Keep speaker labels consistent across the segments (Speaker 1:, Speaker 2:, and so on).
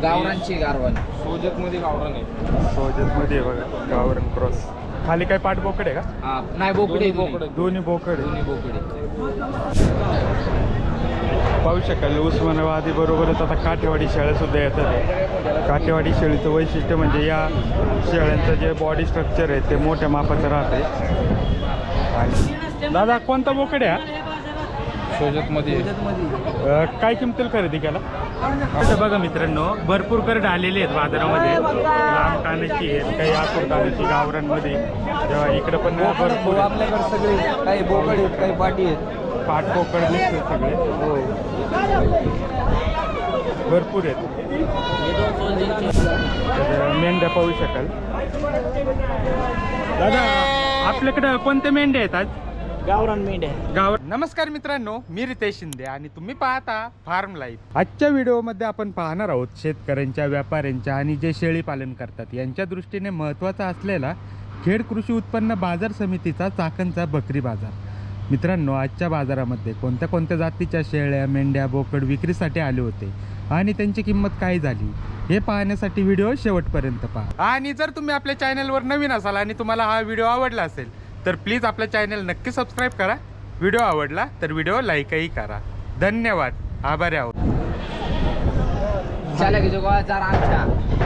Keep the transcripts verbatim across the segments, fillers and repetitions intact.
Speaker 1: गावरांची गारवण
Speaker 2: सोजत मध्ये गावरान आहे.
Speaker 3: सोजत मध्ये बघा गावरान क्रॉस. खाली काय पाठ बोकड आहे का?
Speaker 1: हा, नाही बोकडे
Speaker 2: बोकडे.
Speaker 3: दोन्ही बोकड आहे.
Speaker 1: दोन्ही बोकडे.
Speaker 3: पाहू शकाल उस्मानाबादी बरोबरच आता काठेवाडी शेळ्या सुद्धा येतात. काठेवाडी शेळीचं वैशिष्ट्य म्हणजे या शेळ्यांचं जे बॉडी स्ट्रक्चर आहे ते मोठ्या मापाचं राहते. आणि दादा कोणता बोकड आहे हा?
Speaker 2: सोजत मध्ये
Speaker 3: अ, काय किमतीला खरेदी केला? असं बघा मित्रांनो भरपूर करड आलेले आहेत बाजारामध्ये. लांब कानाची आहेत, काही आतूर कानाची गावरांमध्ये. तेव्हा इकडं पण भरपूर
Speaker 1: आपल्याकडे सगळे काही बोकड आहेत काही पाटी आहेत.
Speaker 3: पाठ बोकड दिसते सगळे
Speaker 1: हो
Speaker 3: भरपूर आहेत. तर मेंढ्या पाहू शकाल. दादा आपल्याकडं कोणते मेंढ्या आहेत आज?
Speaker 1: गावरान मेंढ्या.
Speaker 3: गाव नमस्कार मित्रांनो, मी रितेश शिंदे आणि तुम्ही पाहता फार्म लाईफ. आजच्या व्हिडिओमध्ये आपण पाहणार आहोत शेतकऱ्यांच्या, व्यापाऱ्यांच्या आणि जे शेळी पालन करतात यांच्या दृष्टीने महत्त्वाचा असलेला खेड कृषी उत्पन्न बाजार समितीचा चाकणचा बकरी बाजार. मित्रांनो आजच्या बाजारामध्ये कोणत्या कोणत्या जातीच्या शेळ्या, मेंढ्या, बोकड विक्रीसाठी आले होते आणि त्यांची किंमत काय झाली हे पाहण्यासाठी व्हिडिओ शेवटपर्यंत पहा. आणि जर तुम्ही आपल्या चॅनलवर नवीन असाल आणि तुम्हाला हा व्हिडिओ आवडला असेल तर प्लीज आपल्या चॅनल नक्की सबस्क्राईब करा. व्हिडिओ आवडला तर व्हिडिओ लाईकही करा. धन्यवाद, आभारी आहोत.
Speaker 1: चला की जो जरा आमच्या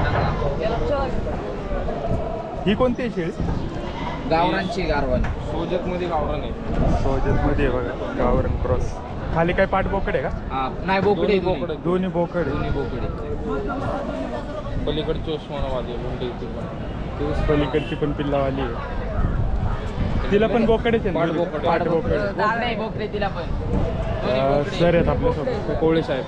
Speaker 3: ही कोणती आहे शेळी?
Speaker 1: गावरांची गारवण
Speaker 2: सोजत मध्ये गावरान आहे.
Speaker 3: सोजत मध्ये बघा गावरान क्रॉस. खाली काय पाठ बोकड आहे का?
Speaker 1: हा, नाही बोकडे
Speaker 2: दोन्ही बोकडे.
Speaker 3: दोन्ही बोकड
Speaker 1: दोन्ही बोकडे.
Speaker 2: पलीकडची उस्मानाबादी आहे, मुंडे इथे पण.
Speaker 3: पलीकडची पण पिल्लावाली आहे. तिला पण बोकडेच आहे
Speaker 2: पाठ
Speaker 3: ना?
Speaker 2: बोकड.
Speaker 3: पाठ बोकड.
Speaker 1: नाही बोकडे तिला पण. दोन्ही
Speaker 3: अं,
Speaker 1: बोकडे.
Speaker 3: सर आहेत आपल्यासोबत.
Speaker 2: कोवळे साहेब.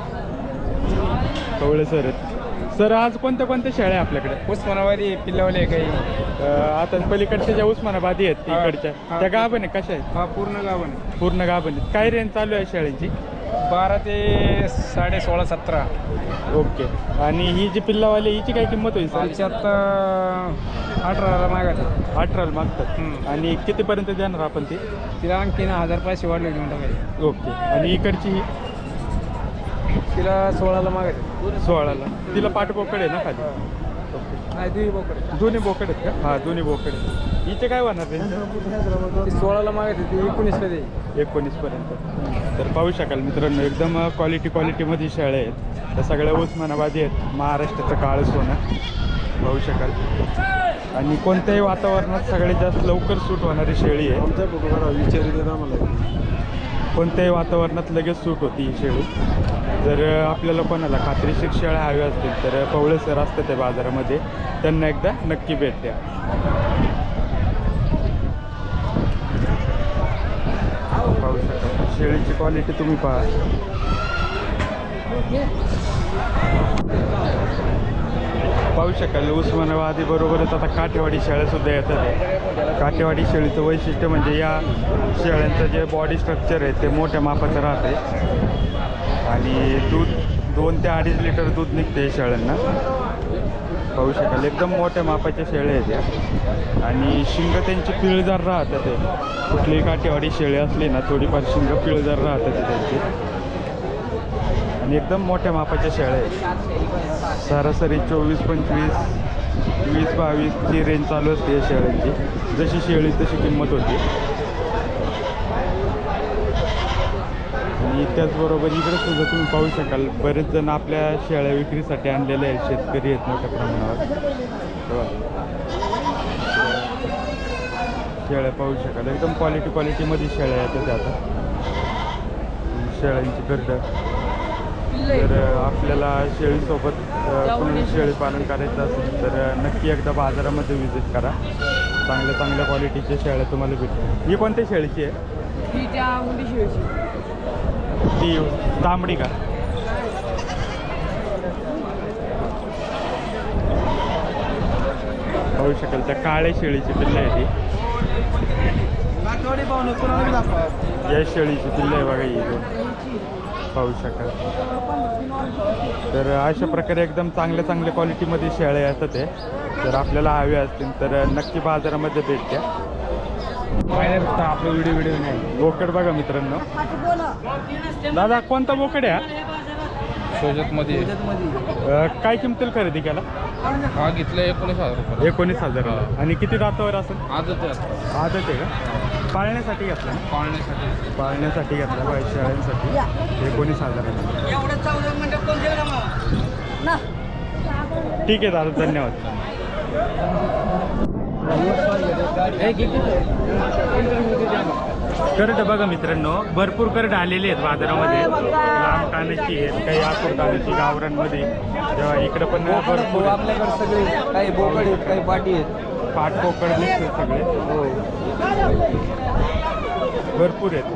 Speaker 3: कवळे सर आहेत. सर आज कोणत्या कोणत्या शेळ्या आहे आपल्याकडे?
Speaker 2: उस्मानाबादी पिल्लावले काही.
Speaker 3: अं, आता पलीकडच्या ज्या उस्मानाबादी आहेत
Speaker 2: हा,
Speaker 3: तिकडच्या
Speaker 2: हा.
Speaker 3: त्या गाभण आहे कशा आहेत?
Speaker 2: हा पूर्ण गावन आहे.
Speaker 3: पूर्ण गाभण आहेत. काय रेंज चालू आहे शेळ्यांची?
Speaker 2: बारा ते साडे सोळा सतरा.
Speaker 3: ओके. आणि ही जी पिल्लावाली हिची काय किंमत होईल सर?
Speaker 2: त्याच्यात अठराला मागायचं.
Speaker 3: अठराला मागतात.
Speaker 2: हम्म.
Speaker 3: आणि कितीपर्यंत देणार आपण ती?
Speaker 2: तिला आणखीन हजार पैसे वाढले घेऊन टाकायचे.
Speaker 3: ओके. आणि इकडची ही
Speaker 2: तिला सोळाला मागायचं.
Speaker 3: सोळाला. तिला पाठबोकड आहे ना खाली? ओके.
Speaker 2: नाही तुम्ही बोकडे.
Speaker 3: दोन्ही बोकड आहेत का? हां दोन्ही बोकड आहेत. हिचे काय होणार रेंज?
Speaker 2: ती सोळाला मागायची, ती एकोणीसला दे.
Speaker 3: एकोणीसपर्यंत. तर पाहू शकाल मित्रांनो एकदम क्वालिटी क्वालिटीमध्ये शेळ्या आहेत. त्या सगळ्या उस्मानाबादी आहेत. महाराष्ट्राचं काळं सोनं पाहू शकाल. आणि कोणत्याही वातावरणात सगळ्यात जास्त लवकर सूट होणारी शेळी आहे.
Speaker 2: आमच्या बघा विचारित आम्हाला
Speaker 3: कोणत्याही वातावरणात लगेच सूट होती ही शेळी. जर आपल्याला कोणाला खात्रीशीर शेळ्या हव्या असतील तर कवळे सर असतात त्या बाजारामध्ये, त्यांना एकदा नक्की भेट द्या. पाहू शकता शेळीची क्वालिटी तुम्ही पहा. पाहू शकाल उस्मानाबादी बरोबरच आता काठेवाडी शेळ्या सुद्धा येतात. काठेवाडी शेळीचं वैशिष्ट्य म्हणजे या शेळ्यांचं जे बॉडी स्ट्रक्चर आहे ते मोठ्या मापाचं राहते. आणि दूध दोन ते अडीच लिटर दूध निघते शेळ्यांना. पाहू शकाल एकदम मोठ्या मापाच्या शेळ्या आहेत त्या. आणि शिंग त्यांची पिळदार राहतात. ते कुठलीही काठेवाडी शेळी असली ना थोडीफार शिंग पिळदार राहतात ते त्यांची. आणि एकदम मोठ्या मापाच्या शेळ्या आहेत. सरासरी चोवीस पंचवीस वीस बावीसची रेंज चालू असते या शेळ्यांची. जशी शेळी तशी किंमत होती. आणि त्याचबरोबर इकडे सुद्धा तुम्ही पाहू शकाल बरेच जण आपल्या शेळ्या विक्रीसाठी आणलेले आहेत. शेतकरी आहेत मोठ्या प्रमाणावर. तेव्हा शेळ्या पाहू शकाल एकदम क्वालिटी क्वालिटीमध्ये शेळ्या येतात आता. शेळ्यांची गर्द. जर आपल्याला शेळीसोबत कोणी शेळी पालन करायचं असेल तर नक्की एकदा बाजारामध्ये व्हिजिट करा. चांगल्या चांगल्या क्वालिटीच्या शेळ्या तुम्हाला भेटतील. ही कोणत्या शेळीची आहे?
Speaker 1: ही त्या मुंडी शेळीची.
Speaker 3: ती तांबडी का? पाहू शकाल त्या काळ्या शेळीची पिल्लं आहे ती. या शेळीची पिल्लं आहे बघा ही. पाहू शकाल. तर अशा प्रकारे एकदम चांगल्या चांगल्या क्वालिटीमध्ये शेळ्या येतात ते. जर आपल्याला हव्या असतील तर नक्की बाजारामध्ये भेट द्या.
Speaker 2: आपलं व्हिडिओ व्हिडिओ नाही.
Speaker 3: बोकड बघा मित्रांनो. दादा कोणता बोकड आहे?
Speaker 4: सोजतमध्ये
Speaker 3: अ, काय किमतीला खरेदी केला?
Speaker 4: हा घेतला एकोणीस हजार रुपये
Speaker 3: एकोणीस हजार आणि किती दातावर असेल?
Speaker 4: आजच आहे
Speaker 3: आदत आहे का? पाळण्यासाठी घेतला ना?
Speaker 4: पाळण्यासाठी
Speaker 3: पाळण्यासाठी घेतला पाहिजे शेळ्यांसाठी एकोणीस हजार ठीक आहे दादा, धन्यवाद. करड बघा मित्रांनो, भरपूर करड आलेले आहेत बाजारामध्ये. लांब कानाची आहेत, काही आखूड कानाची गावरांमध्ये. तेव्हा इकडं पण भरपूर
Speaker 2: आपल्याकडे सगळे काही बोकड आहेत, काही पाटी आहेत.
Speaker 3: पाठ पोकळ दिसते सगळे.
Speaker 2: हो.
Speaker 3: भरपूर आहेत.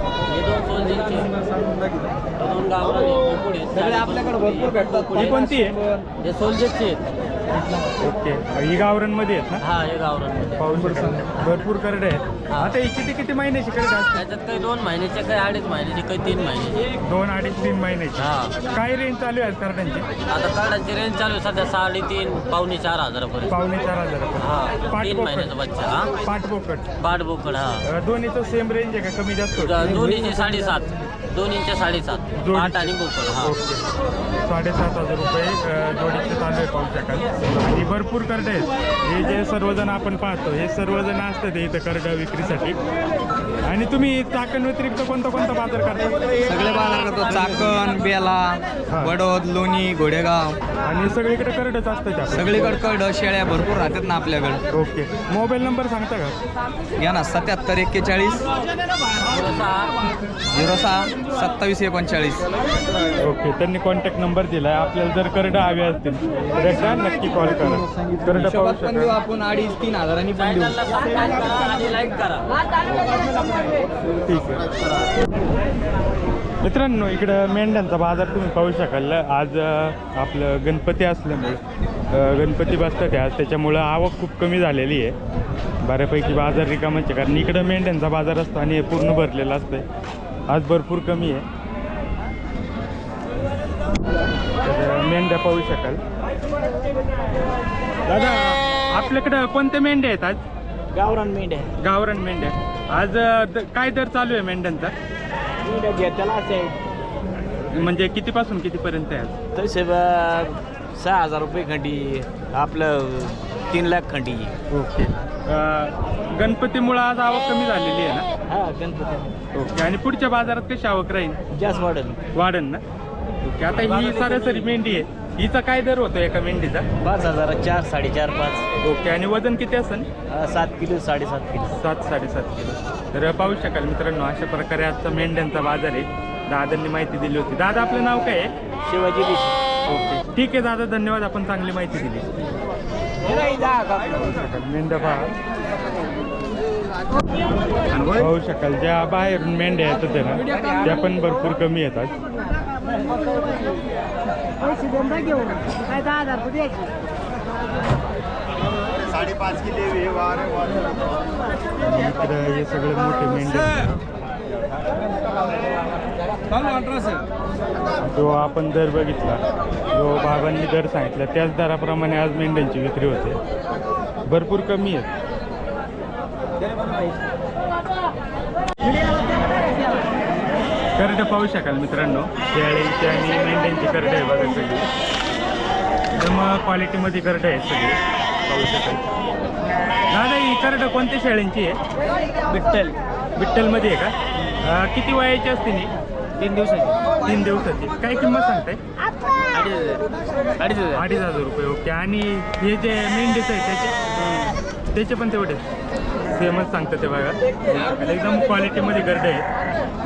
Speaker 2: सगळे आपल्याकडे भरपूर भेटतात.
Speaker 3: ही कोणती आहे?
Speaker 5: हे सोल्जरचे आहेत.
Speaker 3: ओके, ही गावरांमध्ये आहेत ना?
Speaker 5: हा हे गावरान
Speaker 3: पाहू शकाल भरपूर करडे आहेत. आता ही किती किती महिन्याची करडे असतात?
Speaker 5: त्याच्यात काही दोन महिन्याचे काही अडीच महिन्याचे काही तीन महिन्याचे.
Speaker 3: दोन अडीच तीन महिन्याची.
Speaker 5: हा
Speaker 3: काय रेंज चालू आहे करड्यांची?
Speaker 5: आता कार्डाची रेंज चालू आहे सध्या साडेतीन पावणे चार हजारापर्यंत.
Speaker 3: पावणे चार हजार
Speaker 5: हा तीन महिन्याचा बच्चा. हा
Speaker 3: पाठपोकट
Speaker 5: पाठबोकड. हा
Speaker 3: दोन्हीचं सेम रेंज आहे का, कमी जास्त होतं?
Speaker 5: दोन्हीचे साडेसात दोन्हीचे साडेसात
Speaker 3: जोडीचे.
Speaker 5: पाठ आणि बोकड. हा
Speaker 3: ओके, साडेसात हजार रुपये अ, जोडीचे चालू आहे पाहू शकाल. आणि भरपूर करडे आहेत. हे जे सर्वजण आपण पाहतो हे सर्वजण असतात इथं करडा विक्रीसाठी. आणि तुम्ही चाकण व्यतिरिक्त कोणता कोणता बाजार करता?
Speaker 2: सगळे बाजार करतो. चाकण, बेला, बडोद, लोणी, घोडेगाव
Speaker 3: आणि सगळीकडे करडच असतं त्या.
Speaker 2: सगळीकडे कड शेळ्या भरपूर राहतात ना आपल्याकडे.
Speaker 3: ओके, मोबाईल नंबर सांगता का?
Speaker 2: घ्या ना, सत्याहत्तर एक्केचाळीस झिरो सहा सत्तावीस एकोणचाळीस.
Speaker 3: ओके, त्यांनी कॉन्टॅक्ट नंबर दिला आहे. आपल्याला जर करडं हवे असतील तर एकदा नक्की कॉल करा. करडं पाहू
Speaker 2: पण देऊ
Speaker 3: शकाल.
Speaker 2: आपण अडीच तीन हजारांनी पण देऊ.
Speaker 5: आणि लाईक करा.
Speaker 3: ठीक आहे मित्रांनो, इकडं मेंढ्यांचा बाजार तुम्ही पाहू शकाल. आज अ, आपलं गणपती असल्यामुळे अ, गणपती बसतात आज, त्याच्यामुळं आवक खूप कमी झालेली आहे. बऱ्यापैकी बाजार रिकामाच आहे, कारण इकडं मेंढ्यांचा बाजार असतो आणि हे पूर्ण भरलेलं असतं. आज भरपूर कमी आहे. तर मेंढ्या पाहू शकाल. दादा, आपल्याकडं कोणत्या मेंढ्या आहेत आज?
Speaker 6: गावरान मेंढ्या
Speaker 3: गावरान मेंढ्या. आज अ, द- काय दर चालू आहे मेंढ्यांचा?
Speaker 6: मेंढ्या घेताना असे आहे
Speaker 3: म्हणजे कितीपासून कितीपर्यंत आहे आज?
Speaker 6: तसे ब- सहा हजार रुपये खंडी आपलं तीन लाख खंडी.
Speaker 3: ओके, अ, गणपतीमुळं आज आवक कमी झालेली आहे ना?
Speaker 6: हा गणपती
Speaker 3: ओके, आणि पुढच्या बाजारात कशी आवक राहील?
Speaker 6: जास्त वाढेल.
Speaker 3: वाढन ना? ओके, आता ही सरासरी मेंढी आहे, हिचा काय दर होतो एका मेंढीचा?
Speaker 6: पाच हजार चार साडेचार पाच.
Speaker 3: ओके, आणि वजन किती असेल?
Speaker 6: अं, सात किलो साडेसात किलो.
Speaker 3: सात साडेसात किलो. तर पाहू शकाल मित्रांनो, अशा प्रकारे आजचा मेंढ्यांचा बाजार आहे. दादांनी माहिती दिली होती. दादा, आपलं नाव काय आहे?
Speaker 6: शिवाजी देशी.
Speaker 3: ओके, ठीक आहे दादा, धन्यवाद. आपण चांगली माहिती दिली. मेंढ्या पहा, पाहू शकाल. ज्या बाहेरून मेंढ्या येतात आहे ना, त्या पण भरपूर कमी येतात. इकडे हे सगळे मोठे मेंढ्या. जो आपण दर बघितला, जो बाबांनी दर सांगितला त्याच दराप्रमाणे आज मेंढ्यांची विक्री होते. भरपूर कमी आहेत. करडं पाहू शकाल मित्रांनो, शेळ्यांची आणि मेंढ्यांची करडं आहे बघा सगळी. एकदम क्वालिटीमध्ये करडं आहेत सगळी, पाहू शकाल. दादा, ही करडं कोणत्या शेळ्यांची आहे?
Speaker 6: विठ्ठल
Speaker 3: विठ्ठलमध्ये आहे का? अं, किती वयाची असते नी?
Speaker 6: तीन दिवसाची.
Speaker 3: तीन दिवसाची. काय किंमत सांगताय?
Speaker 6: अडीच हजार अडीच हजार
Speaker 3: अडीच हजार रुपये. ओके, आणि हे जे मेंढीचं आहे त्याचे त्याचे पण तेवढे सेमच सांगतं ते बघा. आणि एकदम क्वालिटीमध्ये गर्ड आहे.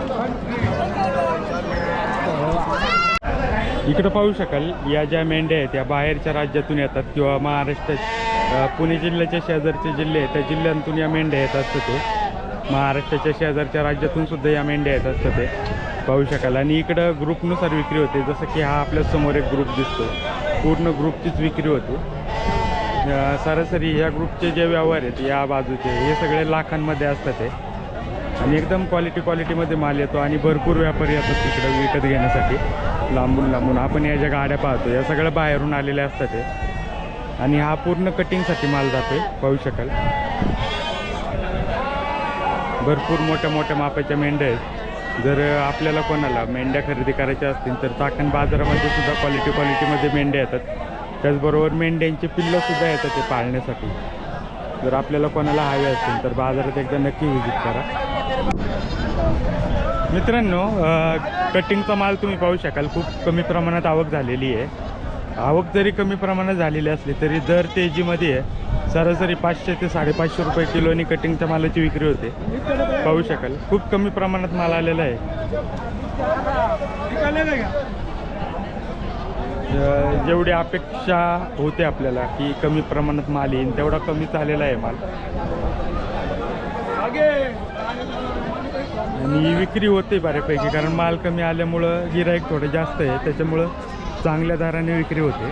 Speaker 3: इकडं पाहू शकाल, या ज्या मेंढ्या आहेत त्या बाहेरच्या राज्यातून येतात किंवा महाराष्ट्रात पुणे जिल्ह्याच्या शेजारचे जिल्हे आहेत त्या जिल्ह्यांतून या मेंढ्या येत असतात. ते महाराष्ट्राच्या शेजारच्या राज्यातून सुद्धा या मेंढ्या येत असतात ते पाहू शकाल. आणि इकडं ग्रुपनुसार विक्री होते, जसं की हा आपल्या समोर एक ग्रुप दिसतो, पूर्ण ग्रुपचीच विक्री होते. सरासरी या ग्रुपचे जे व्यवहार आहेत या बाजूचे हे सगळे लाखांमध्ये असतात ते. आणि एकदम क्वालिटी क्वालिटीमध्ये माल येतो आणि भरपूर व्यापारी येतात तिकडं विकत घेण्यासाठी लांबून लांबून. आपण या ज्या गाड्या पाहतो या सगळ्या बाहेरून आलेल्या असतात ते. आणि हा पूर्ण कटिंगसाठी माल जातोय पाहू शकाल. भरपूर मोठ्या मोठ्या मापाच्या मेंढ्या आहेत. जर आपल्याला कोणाला मेंढ्या खरेदी करायच्या असतील तर चाकण बाजारामध्ये सुद्धा क्वालिटी क्वालिटीमध्ये मेंढ्या येतात. त्याचबरोबर मेंढ्यांची पिल्लंसुद्धा येतात ते पाळण्यासाठी. जर आपल्याला कोणाला हवे असतील तर बाजारात एकदा नक्की व्हिजिट करा. मित्रांनो, कटिंगचा माल तुम्ही पाहू शकाल खूप कमी प्रमाणात आवक झालेली आहे. आवक जरी कमी प्रमाणात झालेली असली तरी दर तेजीमध्ये आहे. सरासरी पाचशे ते साडेपाचशे रुपये किलोनी कटिंगच्या मालाची विक्री होते. पाहू शकाल खूप कमी प्रमाणात माल आलेला आहे. अ, जेवढी अपेक्षा होते आपल्याला की कमी प्रमाणात माल येईल तेवढा कमीच आलेला आहे माल. आणि विक्री होते बऱ्यापैकी कारण माल कमी आल्यामुळं गिराईक थोडं जास्त आहे. त्याच्यामुळं चांगल्या दराने विक्री होते.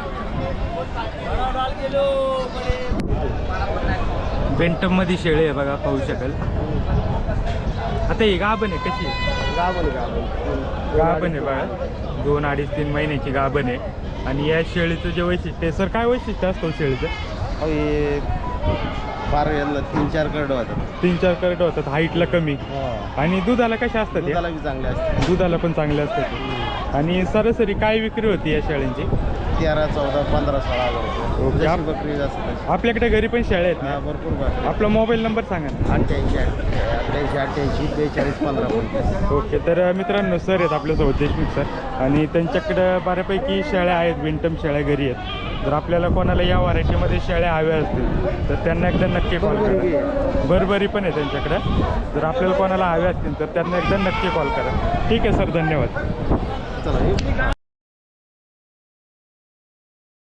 Speaker 3: बेंटममध्ये शेळे आहे बघा, पाहू शकाल. आता ही गाभण आहे कशी?
Speaker 7: गाभण गाभण
Speaker 3: गाभण आहे बघा, दोन अडीच तीन महिन्याची गाभण आहे. आणि या शेळीचं जे वैशिष्ट्य आहे सर, काय वैशिष्ट्य असतं शेळीचं?
Speaker 7: हे फार यांना तीन चार करड होतात.
Speaker 3: तीन चार करट होतात, हाईटला कमी. आणि दुधाला कशा असतात? ते
Speaker 7: दुधाला बी चांगले असतात.
Speaker 3: दुधाला पण चांगले असतात. आणि सरासरी काय विक्री होती या शेळ्यांची?
Speaker 7: तेरा चौदा पंधरा सोळा हजार
Speaker 3: ओके.
Speaker 7: रुपये
Speaker 3: आप-
Speaker 7: जशी बकरी जास्त.
Speaker 3: आपल्याकडे घरी पण शेळ्या आहेत
Speaker 7: हा,
Speaker 3: ना?
Speaker 7: भरपूर बकरी.
Speaker 3: आपला मोबाईल नंबर सांगा ना.
Speaker 7: अठ्ठ्याऐंशी अठ्ठ्याऐंशी अठ्ठ्याऐंशी बेचाळीस पंधरा पंचवीस.
Speaker 3: ओके. तर मित्रांनो, सर आहेत आपल्यासोबत, देशमुख सर. आणि त्यांच्याकडं बऱ्यापैकी शेळ्या आहेत, विंटम शेळ्या घरी आहेत. जर आपल्याला कोणाला या व्हरायटीमध्ये शेळ्या हव्या असतील तर त्यांना एकदा नक्की कॉल करा. बरबरी पण आहे त्यांच्याकडं. जर आपल्याला कोणाला हव्या असतील तर त्यांना एकदा नक्की कॉल करा. ठीक आहे सर, धन्यवाद.
Speaker 7: चला